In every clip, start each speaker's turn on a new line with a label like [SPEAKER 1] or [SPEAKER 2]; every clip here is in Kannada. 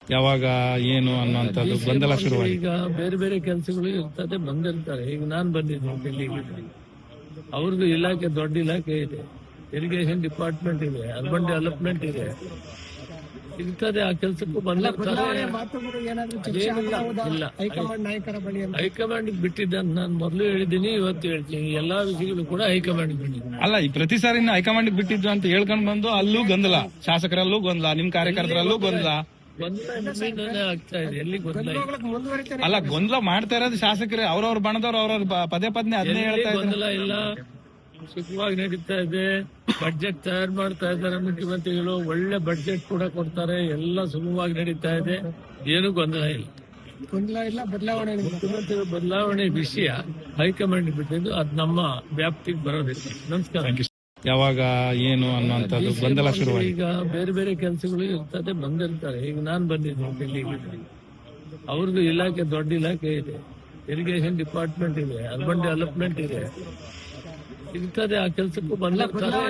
[SPEAKER 1] ಯಾವಾಗ ಏನು ಅನ್ನುವಂಥದ್ದು ಗೊಂದಲ ಶುರುವಾಗಿದೆ.
[SPEAKER 2] ಈಗ ಬೇರೆ ಬೇರೆ ಕೆಲಸಗಳು ಇರ್ತದೆ, ಬಂದಿರ್ತಾರೆ. ಈಗ ನಾನು ಬಂದಿದ್ದೀನಿ ಡೆಲ್ಲಿಗೆ, ಅವ್ರದ್ದು ಇಲಾಖೆ ದೊಡ್ಡ ಇಲಾಖೆ ಇದೆ, ಇರಿಗೇಷನ್ ಡಿಪಾರ್ಟ್ಮೆಂಟ್ ಇದೆ, ಅರ್ಬನ್ ಡೆವಲಪ್ಮೆಂಟ್ ಇದೆ, ಇರ್ತದೆ. ಆ ಕೆಲಸಕ್ಕೂ ಬಂದಿರ್ತಾರೆ. ಹೈಕಮಾಂಡ್ ಬಿಟ್ಟಿದ್ದ ನಾನು ಮೊದಲು ಹೇಳಿದ್ದೀನಿ, ಇವತ್ತು ಹೇಳ್ತೀನಿ. ಎಲ್ಲಾ ವಿಷಯಗಳು ಕೂಡ ಹೈಕಮಾಂಡ್ ಬಿಟ್ಟಿದ್ದೀನಿ.
[SPEAKER 1] ಅಲ್ಲ, ಈ ಪ್ರತಿ ಸಾರಿನ ಹೈಕಮಾಂಡ್ ಬಿಟ್ಟಿದ್ದು ಅಂತ ಹೇಳ್ಕೊಂಡ್ ಬಂದು ಅಲ್ಲೂ ಗೊಂದಲ, ಶಾಸಕರಲ್ಲೂ ಗೊಂದಲ, ನಿಮ್ ಕಾರ್ಯಕರ್ತರಲ್ಲೂ ಗೊಂದಲ
[SPEAKER 2] ಆಗ್ತಾ ಇದೆ. ಎಲ್ಲಿ ಗೊಂದಲ?
[SPEAKER 1] ಅಲ್ಲ, ಗೊಂದಲ ಮಾಡ್ತಾ ಇರೋದು ಶಾಸಕರೇ, ಅವ್ರವ್ರ ಬಣದವ್ರು ಅವ್ರವ್ರ ಪದೇ ಅದನ್ನೇ ಹೇಳ್ತಾ ಇದ್ದಾರೆ.
[SPEAKER 2] ಗೊಂದಲ ಇಲ್ಲ, ಸುಖವಾಗಿ ನಡೀತಾ ಇದೆ. ಬಡ್ಜೆಟ್ ತಯಾರು ಮಾಡ್ತಾ ಇದ್ದಾರೆ ಮುಖ್ಯಮಂತ್ರಿಗಳು, ಒಳ್ಳೆ ಬಡ್ಜೆಟ್ ಕೂಡ ಕೊಡ್ತಾರೆ. ಎಲ್ಲ ಸುಗಮವಾಗಿ ನಡೀತಾ ಇದೆ, ಏನು ಗೊಂದಲ ಇಲ್ಲ. ಬದಲಾವಣೆ ಮುಖ್ಯಮಂತ್ರಿಗಳ ಬದಲಾವಣೆ ವಿಷಯ ಹೈಕಮಾಂಡ್ ಬಿಟ್ಟಿದ್ದು, ಅದು ನಮ್ಮ ವ್ಯಾಪ್ತಿಗೆ ಬರೋದಿಲ್ಲ. ನಮಸ್ಕಾರ.
[SPEAKER 1] ಯಾವಾಗ ಏನು ಅನ್ನುವಂಥದ್ದು ಗೊಂದಲ ಶುರುವಾಗಿದೆ.
[SPEAKER 2] ಈಗ ಬೇರೆ ಬೇರೆ ಕೆಲಸಗಳು ಇರ್ತದೆ, ಬಂದಿರ್ತಾರೆ. ಈಗ ನಾನು ಬಂದಿದ್ದೀನಿ ಡೆಲ್ಲಿಗೆ, ಅವ್ರದ್ದು ಇಲಾಖೆ ದೊಡ್ಡ ಇಲಾಖೆ ಇದೆ, ಇರಿಗೇಷನ್ ಡಿಪಾರ್ಟ್ಮೆಂಟ್ ಇದೆ, ಅರ್ಬನ್ ಡೆವಲಪ್ಮೆಂಟ್ ಇದೆ, ಇರ್ತದೆ. ಆ ಕೆಲಸಕ್ಕೂ ಬಂದಿರ್ತಾರೆ.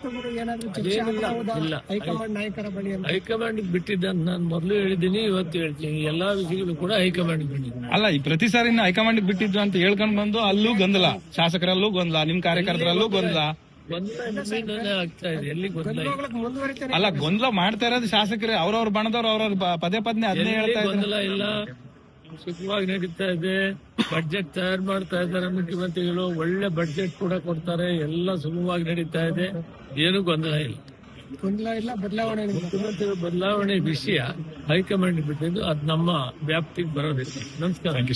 [SPEAKER 2] ಹೈಕಮಾಂಡ್ ಬಿಟ್ಟಿದ್ದ ನಾನು ಮೊದಲು ಹೇಳಿದ್ದೀನಿ, ಇವತ್ತು ಹೇಳ್ತೀನಿ. ಎಲ್ಲಾ ವಿಷಯಗಳು ಕೂಡ ಹೈಕಮಾಂಡ್ ಬಿಟ್ಟಿದ್ದೀನಿ.
[SPEAKER 1] ಅಲ್ಲ, ಈ ಪ್ರತಿ ಸಾರಿನ ಹೈಕಮಾಂಡ್ ಬಿಟ್ಟಿದ್ದು ಅಂತ ಹೇಳ್ಕೊಂಡ್ ಬಂದು ಅಲ್ಲೂ ಗೊಂದಲ, ಶಾಸಕರಲ್ಲೂ ಗೊಂದಲ, ನಿಮ್ ಕಾರ್ಯಕರ್ತರಲ್ಲೂ ಗೊಂದಲ
[SPEAKER 2] ಆಗ್ತಾ ಇದೆ. ಎಲ್ಲಿ ಗೊಂದಲ?
[SPEAKER 1] ಅಲ್ಲ, ಗೊಂದಲ ಮಾಡ್ತಾ ಇರೋದು ಶಾಸಕರೇ, ಅವ್ರವ್ರ ಬಣದವ್ರು ಅವ್ರವ್ರ ಪದೇ ಅದನ್ನೇ ಹೇಳ್ತಾ ಇದ್ದಾರೆ.
[SPEAKER 2] ಗೊಂದಲ ಇಲ್ಲ, ಸುಖವಾಗಿ ನಡೀತಾ ಇದೆ. ಬಡ್ಜೆಟ್ ತಯಾರು ಮಾಡ್ತಾ ಇದ್ದಾರೆ ಮುಖ್ಯಮಂತ್ರಿಗಳು, ಒಳ್ಳೆ ಬಡ್ಜೆಟ್ ಕೂಡ ಕೊಡ್ತಾರೆ. ಎಲ್ಲ ಸುಗಮವಾಗಿ ನಡೀತಾ ಇದೆ, ಏನು ಗೊಂದಲ ಇಲ್ಲ. ಬದಲಾವಣೆ ಮುಖ್ಯಮಂತ್ರಿಗಳ ಬದಲಾವಣೆ ವಿಷಯ ಹೈಕಮಾಂಡ್ ಬಿಟ್ಟಿದ್ದು, ಅದು ನಮ್ಮ ವ್ಯಾಪ್ತಿಗೆ ಬರೋದಿಲ್ಲ. ನಮಸ್ಕಾರ.